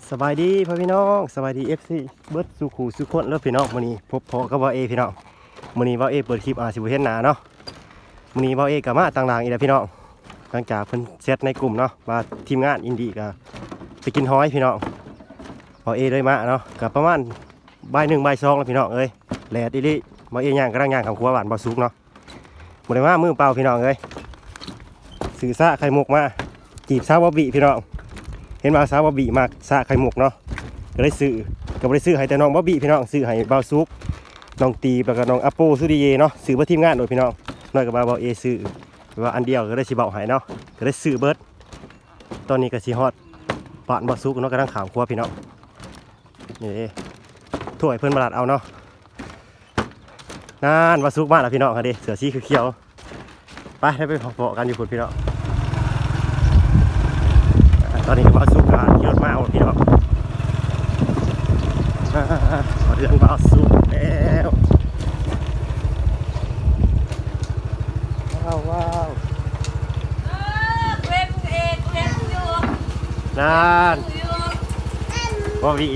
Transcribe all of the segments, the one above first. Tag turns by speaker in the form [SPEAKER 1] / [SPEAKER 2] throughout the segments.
[SPEAKER 1] สบายดีพ่อพี่น้องสบายดีFCเบิร์ดสุขูสุขคนแล้วพี่น้องมื้อนี้พบพอกับว่าเอพี่น้องมื้อนี้ว่าเอเปิดคลิปสิบ่เห็นหน้าเนาะมื้อนี้ว่าเอก็มาต่างหลังอีกแล้วพี่น้องหลังจากเพิ่นเซตในกลุ่มเนาะว่าทีมงานอินดี้ก็ไปกินฮ้อยพี่น้องว่าเอเลยมาเนาะก็ประมาณบ่าย1บ่าย2แล้วพี่น้องเอ้ยแลดอีหลีว่าเอย่างกำลังย่างข้าวครัวหวานบ่สุกเนาะบ่ได้มามือเปล่าพี่น้องเอ้ยซื้อซะไข่มุกมาจีบสาวบ่บิพี่น้องเห็นว่าสาวบอบบี้มากซาไข่หมกเนาะก็ได้ซื้อให้แต่น้องบอบบี้พี่น้องซื้อให้บ่าวซุปน้องตีแล้วก็น้องอัปโปสุดิเยเนาะซื้อเพื่อทีมงานโดยพี่น้องน้อยกับบ่าวเอซื้อว่าอันเดียวก็ได้สิเบาให้เนาะก็ได้ซื้อเบิร์ดตอนนี้ก็สิฮอดบ้านบ่าวซุปเนาะกำลังขามครัวพี่น้องนี่ถ้วยเพิ่นมาลัดเอาเนาะนั่นบ่าวซุปมาแล้วพี่น้องค่ะดิเสือสีเขียวไปได้ไปพอๆกันอยู่พุ่นพี่น้องตอนนี้ก็บ่าวซุปการขี่รถมาเอาพี่น้องเรื่องบ่าวซุปแล้วว้าว
[SPEAKER 2] เว้นเอกเว้นอยู่
[SPEAKER 1] นั่นบ่วี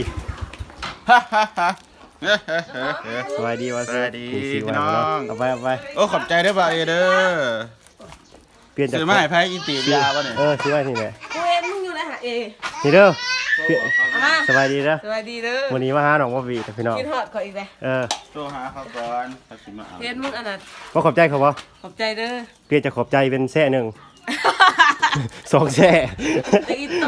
[SPEAKER 1] สวัสดีว่าสวัสดีพี่น้องเอาไป
[SPEAKER 3] โอ้ขอบใจเด้อบ่าวเอเด้อ
[SPEAKER 1] เปลี่ยนจาก
[SPEAKER 3] ซื้อมาให้ไผอินติยาวะเนี่ย
[SPEAKER 1] ซื้อมาที่ไหน
[SPEAKER 2] กูเว้นมึงอยู่นะฮะเอ
[SPEAKER 1] นี่เด้อสบายดีเด้อ
[SPEAKER 2] สวัสดีเด้อ
[SPEAKER 1] วันนี้มาหาน้องบ่วีพี่น้อง
[SPEAKER 2] กินฮอดขออีกเลย
[SPEAKER 3] โทรหาเขาก่อนเขาสิมาเอา
[SPEAKER 2] เว้นมึงอันนั้น
[SPEAKER 1] บ่ขอบใจเขาบ่
[SPEAKER 2] ขอบใจเด้อ
[SPEAKER 1] เปลี่ยนจากขอบใจเป็นแซ่หนึ่ง2แซ่
[SPEAKER 2] ไอ้โต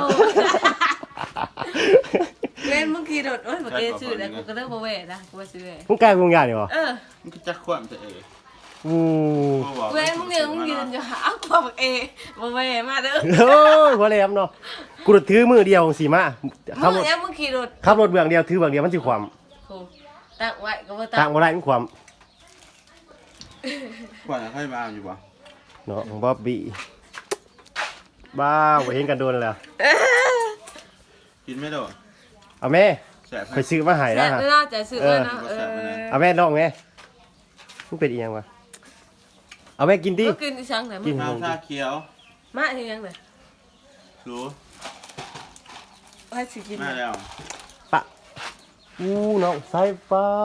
[SPEAKER 2] เว้นมึงขี่รถโอ้ยบอกเอชื่อแล้วกูก็เลิกบ่เว้นะกูบ่ซื้อ
[SPEAKER 1] มึงกลายเป็นวงยานี่บ่
[SPEAKER 3] มันก็จักความจะเอ
[SPEAKER 2] เว้นมึงยืนอยู่อ้าวบอกเอบ่เว้มาเด้อ
[SPEAKER 1] โอ้ยบ่แลมเนาะกูถือมือเดียวสิมา
[SPEAKER 2] มึงยังมึงขี่รถ
[SPEAKER 1] ขับรถเบื้องเดียวถือเบื้องเดียวมันสิความ
[SPEAKER 2] ตั้งไว้ก็บ่
[SPEAKER 1] ตั้งบ่ได้มันความ
[SPEAKER 3] ขวัญให้มาอยู่บ่
[SPEAKER 1] เนาะบ๊อบบี้บ้าบ่เห็นกันโดนแล้ว
[SPEAKER 3] กินไม่โดน
[SPEAKER 1] เอาแม่ไปซื้อมาให้แล้วฮะ
[SPEAKER 2] น่าจะซื้อแล้วนะ
[SPEAKER 1] เอาแม่ลองแม่มันเป็นอีหยังวะเอาแม่กินดิ
[SPEAKER 2] กินอีสังไหน
[SPEAKER 3] กินข้าวชาเขียว
[SPEAKER 2] มาอีหยังไหน
[SPEAKER 3] รู้
[SPEAKER 2] ให้สิกิน
[SPEAKER 3] มาแล้ว
[SPEAKER 1] ปะน้องสายฟ้า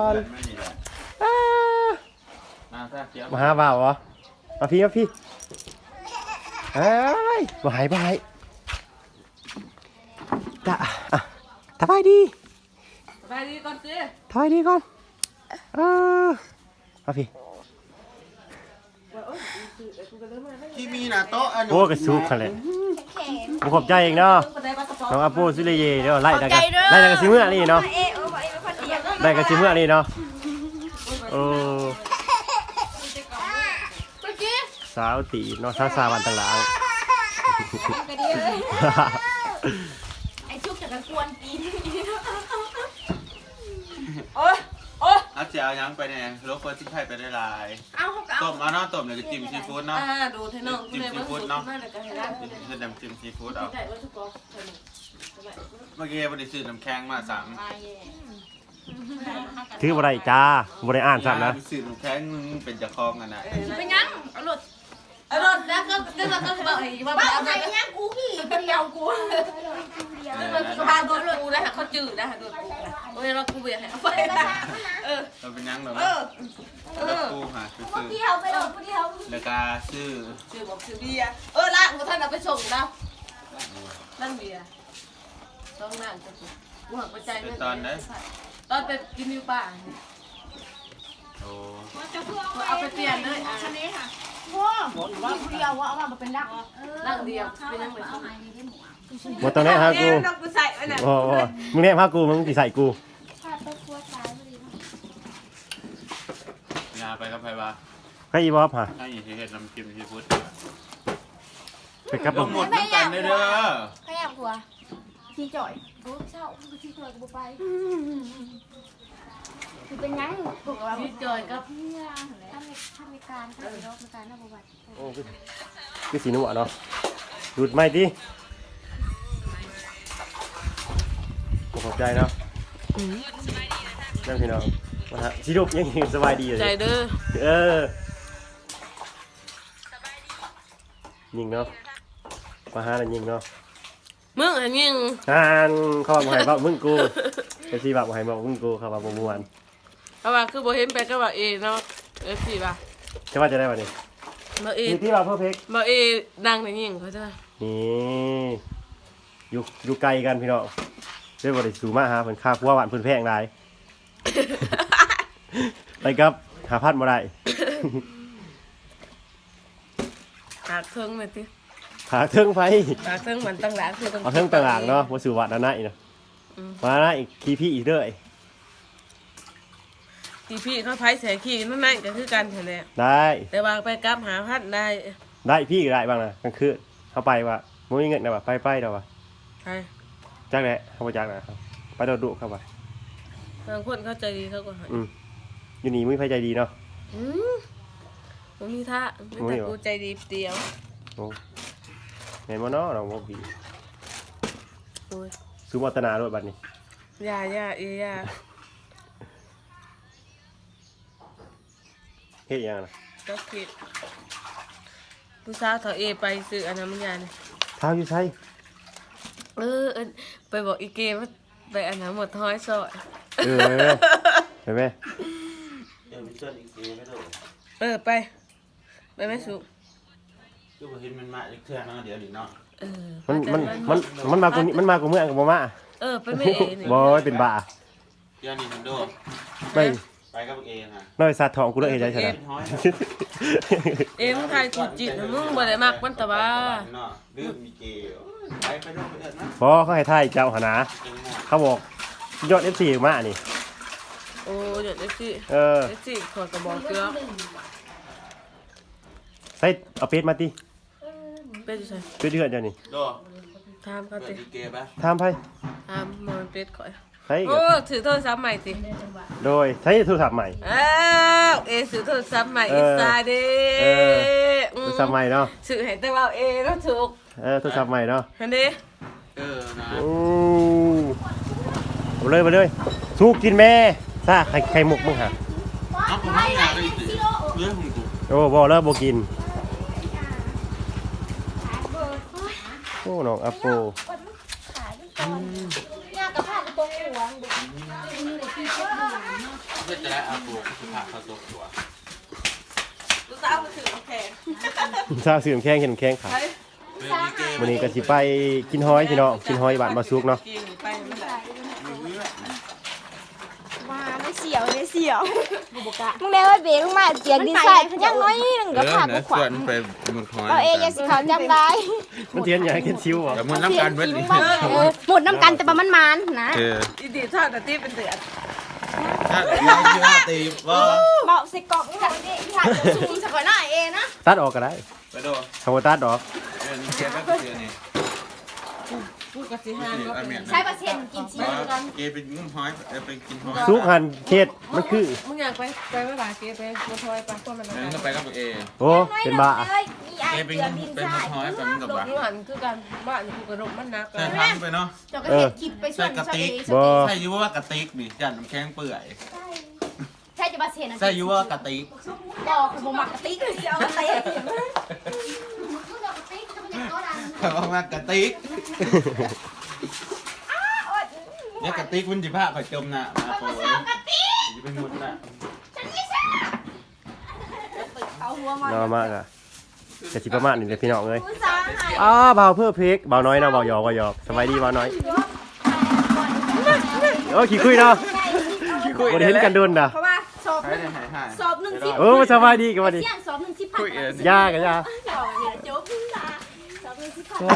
[SPEAKER 1] มาหาบ่าวเหรอมาพี่เอ้ยบ่หายตาสบายดี
[SPEAKER 2] ก่อนสิ
[SPEAKER 1] สบายดีก่อนมาพี่
[SPEAKER 3] ที่มีน่ะโต๊ะอัน
[SPEAKER 1] โอ้กระซุกกันเลยผมขอบใจเองเนาะน้องอาโปซิเลเย่เดี๋ยวไล่ได้กันซิเมื่อนี่เนาะได้กันซิเมื่อนี่เนาะโอ้สาวตีเนาะสาววันต่างหลัง
[SPEAKER 2] ไอ้ชุกจากกันกวนกิน
[SPEAKER 3] เอาเจียวยังไปเนี่ยรถเฟิร์สที่ไทยไปได้ลายต้มเอาเนาะต้มเลยก็จิ้มซีฟู้ดเนาะ
[SPEAKER 2] ดูเทน้อง
[SPEAKER 3] จิ้มซีฟู้ดเนาะคือน้ำจิ้มซีฟู้ดเอาเมื่อกี้วันนี้ซื้อน้ำแข็งมา3
[SPEAKER 1] ถือบ่ได้จ้าบ่ได้อ่านซ้ำนะ
[SPEAKER 3] ซื้อน้ำแข็งเป็นจะคลองกันนะ
[SPEAKER 2] เป็นยังอร่อยแล้วก็บอกไอ้ว่าเอาไปยังกูขี่เดียวกูก็พาโดนกูนะเขาจืดนะโดนกูนะโอ้ยเรากูเบียร์ให้เอาไป
[SPEAKER 3] เราเป็นยังเหรอกูหาซื้อ
[SPEAKER 2] เดียวไปหรอกเดียว
[SPEAKER 3] แล้วก็ซื้อ
[SPEAKER 2] บอกซื้อเบียร์ละกูท่านเอาไปส่งนะนั่นเบียร์ต้องนั่งกูหักไปใจ
[SPEAKER 3] ตอนไหน
[SPEAKER 2] ตอนไปกินมิวป่า
[SPEAKER 3] โอ้
[SPEAKER 2] เอาไปเปลี่ยนเลยอันนี้ค่ะว้าวผู้เดียวว่าเอามาเป็นดักเดียวเป็นยังไง
[SPEAKER 1] หมดตอนนี้ฮะกูโอ้มึงเนี่ยพากูมึงสิใส่กู
[SPEAKER 3] ยาไปกับไผบ้า
[SPEAKER 1] ใครอีบอสฮะ
[SPEAKER 3] ให้เฮ็ดน้ำจิ้มซีฟู้ด
[SPEAKER 1] ไปกับผม
[SPEAKER 3] หมดน้ำกันเด้อ
[SPEAKER 2] ใครอยากหัวชีจ่อย
[SPEAKER 4] กูเช่าชีจ่อยกูไปคือเป็นยังปกติ
[SPEAKER 2] ชีจ่อยกับ
[SPEAKER 4] ทำในการทำในรอบในการทำประวัติ
[SPEAKER 1] โอ้คือสีนุ่มเนาะดูดไม่ดิขอบใจเนาะนั่งพี่น้องมาฮะชีดุกยังสบายดีเลย
[SPEAKER 2] ใจเด้
[SPEAKER 1] อยิงเนาะมาหาอะไรยิงเนาะ
[SPEAKER 2] มึงอันยิง
[SPEAKER 1] เขาบอกให้บอกมึงกูไอ้ที่บอกให้บอกมึงกูเขาบอกม่วน
[SPEAKER 2] เพราะว่าคือบ่เห็นไปก็ว่าเอเนาะสิป่ะ
[SPEAKER 1] จะว่าจะได้วันนี้
[SPEAKER 2] บ่เอ
[SPEAKER 1] ที่เราเพิ่มเพก
[SPEAKER 2] บ่เอดังในยิงเขาจ้ะ
[SPEAKER 1] นี่อยู่ไกลกันพี่น้องเรียกว่าได้สูมาหาเพิ่นค่าพัวหวานเพิ่นแพงหลาย ไปครับหาพัดบ่ได้
[SPEAKER 2] หากเครื่องเลยติ
[SPEAKER 1] หาเทิงไฟ
[SPEAKER 2] หากเครื่องมันตั้งหลังคือต้อง
[SPEAKER 1] เอาเทิงต่างหากเนาะบ่สู่วัดอันนั้นอีกเนาะมานะอีกคีพี่อีกเด้อ
[SPEAKER 2] ที่พี่เขาไผใส่ขี้นั่นนั่นก็คือกันแท้แหละ
[SPEAKER 1] ได้
[SPEAKER 2] แต่ว่าไปกลับหาพัดได้
[SPEAKER 1] ได้พี่ก็ได้บ้างนะกลางคืนเข้าไปว่าบ่มีเงินนะว่าไปเด้อว่า
[SPEAKER 2] ใช่
[SPEAKER 1] จักแหละเขาบ่จักนะครับไปโดดดุเข้าไป
[SPEAKER 2] บางคนเข้าใจดีเขาก็ให้
[SPEAKER 1] อยู่นี่มึงไผใจดีเนาะ
[SPEAKER 2] ผมมีท่าไม่แต่กูใจดีเดียว
[SPEAKER 1] โอ้แม่นบ่เนาะเราบ่บี
[SPEAKER 2] โอ้ย
[SPEAKER 1] สุวัฒนาโลดบัดนี้
[SPEAKER 2] อย่า
[SPEAKER 1] เฮ็ดหยังน่ะ
[SPEAKER 2] ก็คิดผู้สาวเขาเอไปซื้ออันนั้นมันยานี่
[SPEAKER 1] เท้าอยู่ไส
[SPEAKER 2] ไปบอกอีเกมว่าไปอันนั้นหมดท้อยซอย
[SPEAKER 1] เห็นไหม
[SPEAKER 3] เดี๋ยวมีส่วนอีกทีไม่ถูก
[SPEAKER 2] ไปไม่สุ
[SPEAKER 3] คือบ่เห็นมันมาอีกเทื่อเนาะเดี๋ยวนี้เนาะ
[SPEAKER 1] มันมากูนี่มันมากูเมื่อกับบ่มา
[SPEAKER 2] ไปไม่เอนี่
[SPEAKER 1] บ่เป็นบ้า
[SPEAKER 3] เดี๋ยวนี้มันโดด
[SPEAKER 1] ไม่
[SPEAKER 3] ไปกับเอนะ
[SPEAKER 1] น้อยสัตว์ทองกูเลยเฮ็ดได้ซั่นน่ะ
[SPEAKER 3] น้อย
[SPEAKER 2] มึงทายกูจิตมึงบ่ได้มักมันแต่ว่า
[SPEAKER 3] เนาะดื้อมีเกย์ไปโดดไปเอิ้นนะ
[SPEAKER 1] บ่เขาให้ทายเจ้าหนนะเขาบอกยอด FC มานี่
[SPEAKER 2] โอ้ยเดี๋ยวสิ
[SPEAKER 1] เออ
[SPEAKER 2] สิขอกระบอกเกลือ
[SPEAKER 1] ใส่เอาเป็ดมาติ
[SPEAKER 2] เป็ดอยู่ใส่
[SPEAKER 1] เป็ดเดือนเจ้านี่
[SPEAKER 3] โดด
[SPEAKER 2] ทามเขา
[SPEAKER 3] เปิ
[SPEAKER 2] ติ
[SPEAKER 3] ดอีเกย์ปะ
[SPEAKER 1] ถามไผ
[SPEAKER 2] ทามมันเป็ดข่อย
[SPEAKER 1] ใส่
[SPEAKER 2] โอ้ถือโทรศัพท์ใหม่ติ
[SPEAKER 1] โดยใช้โทรศัพท์ใหม่
[SPEAKER 2] ซื้อโทรศัพท์ใหม่อีสาเด้
[SPEAKER 1] โทรศัพท์ใหม่เนาะ
[SPEAKER 2] ซื้อให้แต่ว่าก็ถูก
[SPEAKER 1] โทรศัพท์ใหม่เนาะ
[SPEAKER 2] เห็นดิ
[SPEAKER 3] นะ
[SPEAKER 1] โอ้มาเลยสู้กินแม่ซ่าไข่มุกมึงหะ
[SPEAKER 3] เอาผมไม่อยากได้สิเรื่องของกู
[SPEAKER 1] โอ้บ่แล้วบ่กินโอ้น้องอัปโป
[SPEAKER 4] ยากกับผ้าตรงหัว
[SPEAKER 3] เพื่อจะได้อาโปคือผ่าเข้าตัวตัว
[SPEAKER 2] ลูกสาวมาถือแขน
[SPEAKER 1] ซ่าซื้อน้ำแข็งเห็นน้ำแข็งค่ะ
[SPEAKER 3] เรื่องอีเกย์
[SPEAKER 1] วันนี้ก็สิไปกินหอยพี่น้องกินหอยบ้านมาซุกเนาะ
[SPEAKER 2] กินไปมันได้
[SPEAKER 4] มาไม่เสียวไม่เสียวมึงได้ว่าเบรกมาเสียงดีไซน์ยังน้อยนึงกับผ้ากูขวัญ
[SPEAKER 3] ไปหมดคอย
[SPEAKER 4] เราเองยังสิเขาจำได้
[SPEAKER 1] มันเทียนอย่างเข็นชิวอ่ะ
[SPEAKER 3] แต่มันน้ำกันเว้ย
[SPEAKER 4] หมดน้ำกันแต่ว่ามันมันนะ
[SPEAKER 2] อีดีทอดแต่ตีเป็นเดือด
[SPEAKER 3] ถ้าเราเชื่อตีว่า
[SPEAKER 4] เบาสิกอกนี่ค่ะนี่ค่ะสูงสักหน่อยเองนะ
[SPEAKER 1] ตัดออกก็ได้
[SPEAKER 3] ไปโด
[SPEAKER 1] คำว่าตัดออก
[SPEAKER 3] นี่เกย์ก็เกย์นี่
[SPEAKER 2] พูดกับสิฮานก็เป็น
[SPEAKER 4] ใช้เปอร์เซ็นต์กินชีสกัน
[SPEAKER 3] เกย์เป็นงุ้มหอยไปกินหอย
[SPEAKER 1] ซุกหันเขตมันคือ
[SPEAKER 2] มึงอยากไปไม่หลายเกไปมาทอยไปพวกมัน
[SPEAKER 3] นั่นก็ไปกับเอ
[SPEAKER 1] โอ้เป็นบ้า
[SPEAKER 3] เกย์เป็นเป็นหอยแบบกับ
[SPEAKER 2] ล
[SPEAKER 3] ว่า
[SPEAKER 2] งหันคือกันบ้านกูกระดกมันนัก
[SPEAKER 3] ใส่ทำไปเนาะ
[SPEAKER 4] เจ้าก็เห็นคลิปไปส่วนใส่
[SPEAKER 3] ใส่ยูว่ากระติกนี่จันน้ำแข็งเปื่อย
[SPEAKER 4] ใช่จะมาเสียนะ
[SPEAKER 3] ใส่ยูว่ากระติก
[SPEAKER 4] บอกผมมักกะติกเลยเอากะติก
[SPEAKER 3] แต่ว่ามากระติกเนี่ยกระติกมันจิผ้าข่อยจมน่ะมาโปรยจะเป็นมุดน่ะ
[SPEAKER 4] เอาหัวมัน
[SPEAKER 1] น้อยมากอ่ะจะสิประมาณนี้เลยพี่น้องเลย
[SPEAKER 4] ผู้สาวหาย
[SPEAKER 1] เบาเพื่อเพกเบาน้อยเนาะเบาหยอกเบาหยอกสบายดีเบาน้อยโอ้ขี้คุยเนาะบ่ได้เห็นกันโดนนะ
[SPEAKER 4] เพราะว่าสอบ
[SPEAKER 3] หายหายหาย
[SPEAKER 4] สอบหนึ่งสิบ
[SPEAKER 1] สบายดีกันวันนี้
[SPEAKER 4] เสี่ยงสอบหนึ่งสิบพัน
[SPEAKER 1] ยากกันยาก
[SPEAKER 4] โจ๊กพึ่งตาสอบหนึ่งสิบพัน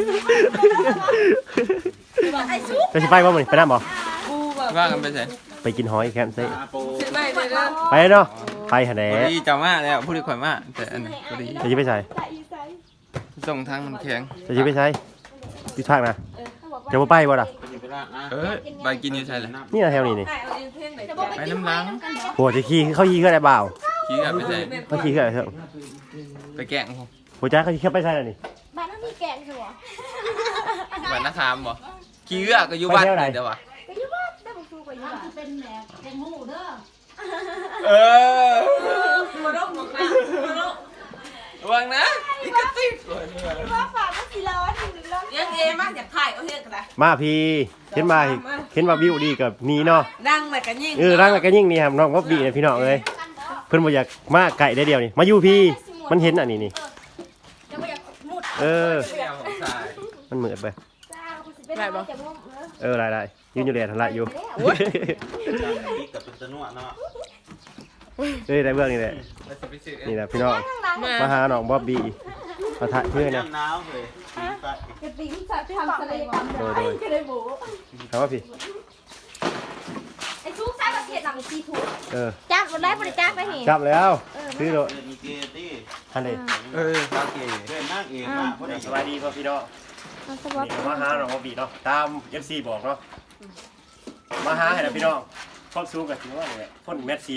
[SPEAKER 4] ไอ้ซุก
[SPEAKER 1] จะสิไปบ่มื้อนี้ไปนำบ่
[SPEAKER 2] กูแบบ
[SPEAKER 5] ว่ากันไปใส่
[SPEAKER 1] ไปกินหอยแคมป์ซิ
[SPEAKER 3] อาโป
[SPEAKER 2] สิไม่เลยนะ
[SPEAKER 1] ไปเนาะไปหั่นแหละ
[SPEAKER 5] พอดีจะมาแล้วพูดดีข่อยมาแต่อันนี้พอดี
[SPEAKER 1] จะสิไปใส่
[SPEAKER 5] ส่งทางมันแข็ง
[SPEAKER 1] จะสิไปใส่ที่ภาคนะจะบ่ไปบ่ล่ะ
[SPEAKER 3] ไปยิงไปละอ่ะ
[SPEAKER 5] ใบกินอยู่ใช่เลย
[SPEAKER 1] นี่นะแถวนี้นี่
[SPEAKER 2] ไอ้เอาเพ่งไหน
[SPEAKER 5] ไปน้ำล้าง
[SPEAKER 1] โหจะขี่เขาขี่คืออะไรเปล่า
[SPEAKER 5] ขี้กับไปใส่
[SPEAKER 1] เขาขี่คืออะไรเถอะ
[SPEAKER 5] ไปแกล้งผม
[SPEAKER 1] โหจ้าเขาขี่แค่ไปใส่แล้วนี่
[SPEAKER 4] บ้านน้ำมีแกงสัว
[SPEAKER 5] บ้านนาคามบ่ขี้เอื้อก็อยู่บ้านนี่เด้อวะ
[SPEAKER 4] ก็อยู่บ้านได้บุกฟูก็อยู่บ้านเป็นแหนกแกงหูเด้อ
[SPEAKER 5] เออ
[SPEAKER 2] มาดกมาดก
[SPEAKER 5] ระวังนะ
[SPEAKER 4] ไ
[SPEAKER 2] กระติก
[SPEAKER 4] ว่าฝากมันสิร้อนอยู่ร้อน
[SPEAKER 2] ยังเอมาอยากถ่ายเอาเฮ็ดกันนะ
[SPEAKER 1] มาพี่เห็นมาวิวดีกับนี่เนาะ
[SPEAKER 2] นั่งแบบกันยิ่ง
[SPEAKER 1] ร่างแล้วก็ยิ่งนี่ครับน้องบ๊อบบี้เนี่ยพี่น้องเอ้ยเพิ่นบ่อยากมาไก่ได้เดียวนี่มาอยู่พี่มันเห็นอันนี้นี่
[SPEAKER 4] จะไม่อยากมุด
[SPEAKER 1] เออ
[SPEAKER 5] เสี่ยวของสาย
[SPEAKER 1] มันเหมือนไป
[SPEAKER 4] จ้ากูสิเป็นน้อยจะมุดเออ
[SPEAKER 1] ได้ยืนอยู่แลทละอยู่
[SPEAKER 3] นี่กับเป็นตะนุ่เนาะ
[SPEAKER 1] เอ้ยได้เบื้องนี่แหละ
[SPEAKER 5] แล้วจะไปซื้อ
[SPEAKER 1] นี่แหละพี่น้อง
[SPEAKER 4] ข้างหลัง
[SPEAKER 1] มาหาน้องบ๊อบบี้มาถ่ายเพื่อนนะ
[SPEAKER 3] น้ำหนาวเลย
[SPEAKER 4] กระติกจะทำทะเลความ
[SPEAKER 1] โดย
[SPEAKER 4] ก็ได้หมู
[SPEAKER 1] ถามว่าพี่
[SPEAKER 4] ไอ้ซุกใช้ประเทศหลังซีทู
[SPEAKER 1] จั
[SPEAKER 4] จักรถแรกบริจักรไปเห็น
[SPEAKER 1] จับแล้วซื้อโล
[SPEAKER 3] มีเกตี้
[SPEAKER 1] ทันเลย
[SPEAKER 5] โอเค
[SPEAKER 3] เดินนั่งเองนะเพราะเด็ก
[SPEAKER 1] สบายดีพ่อพี่น้องนี่มาหาน้องบ๊อบบี้เนาะตาม FC บอกเนาะมาหาให้นะพี่น้องความสูงกับถึงว่าเนี่ยคนแมทซีฟ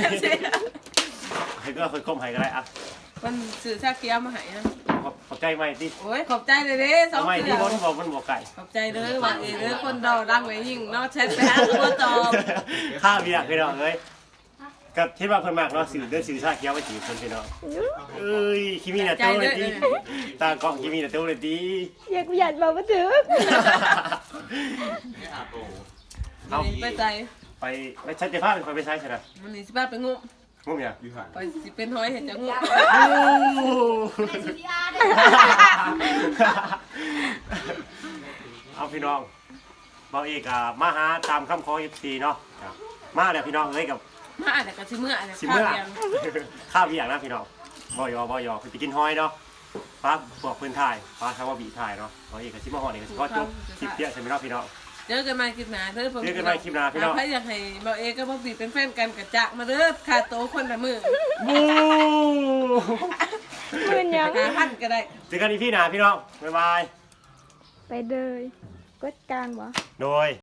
[SPEAKER 1] ให้ก็ค่อยคมให้ก็ได้อ่ะ
[SPEAKER 2] มันสื่อชาเกียวมาให้นะ
[SPEAKER 1] ขอบใจไหมที่
[SPEAKER 2] โอ้ยขอบใจเลยเด้สอง
[SPEAKER 1] ทำไม
[SPEAKER 2] เสื
[SPEAKER 1] ที่
[SPEAKER 2] อ
[SPEAKER 1] คนบอกมันบอกไก่
[SPEAKER 2] ขอบใจเลยว่าเอเด้อคนเราดังไว้ยิ่งเนาะแชทไปหาตัวตอบ
[SPEAKER 1] ข้าวเบียร์พี่น้องเอ้ยกับที่ว่าเพิ่นมากเนาะสื่อเด้อสื่อชาเขียวไปจีบเพิ่นพี่น้องเอ้ยคิมีน่ะโตเลยดีตากล้องคิมีน่ะโตเลยดี
[SPEAKER 4] อยากกูอยากบอกว่าถึง
[SPEAKER 1] เอา
[SPEAKER 2] ไปใจ
[SPEAKER 1] ไปชัดจะพาไปไปใช้ใช่ไหม
[SPEAKER 2] มันนี่สิบ้าไปงุ้ม
[SPEAKER 1] งุ้มเนี่ย
[SPEAKER 2] ไปสิเป็นห้อยเห็นจะงุ้ม
[SPEAKER 1] เอาพี่น้องเบาเอกมาหาตามคำขอ FC เนาะมาแล้วพี่น้องเอ้ยกับ
[SPEAKER 2] มาแต่ก็สิเมื่อเนี่ย
[SPEAKER 1] สิเมื่อข้าวเบียร์นะพี่น้องบ่ยอคือไปกินหอยเนาะป้าบอกเพิ่นถ่ายป้าทำว่าบีถ่ายเนาะเบาเอกกับสิมาฮอดนี่ก็สิขอจบคลิปเดียวใช่มั้ยเนาะพี่น้อง
[SPEAKER 2] เจอกันใหม่คลิปหน้าเด้อผม
[SPEAKER 1] เจอกันใหม่คลิปหน้าพี่น้อง
[SPEAKER 2] ใครอยากให้เบาเอกับบ่บีเป็นแฟนกันกะจะมาเด้อค่าโตคนละมือ
[SPEAKER 1] บู
[SPEAKER 4] มืนยัง
[SPEAKER 2] 5,000ก็ได้
[SPEAKER 1] เจอกันอีพี่หน้าพี่น้องบ๊ายบาย
[SPEAKER 4] ไปเลยกดกลางวะ
[SPEAKER 1] โดย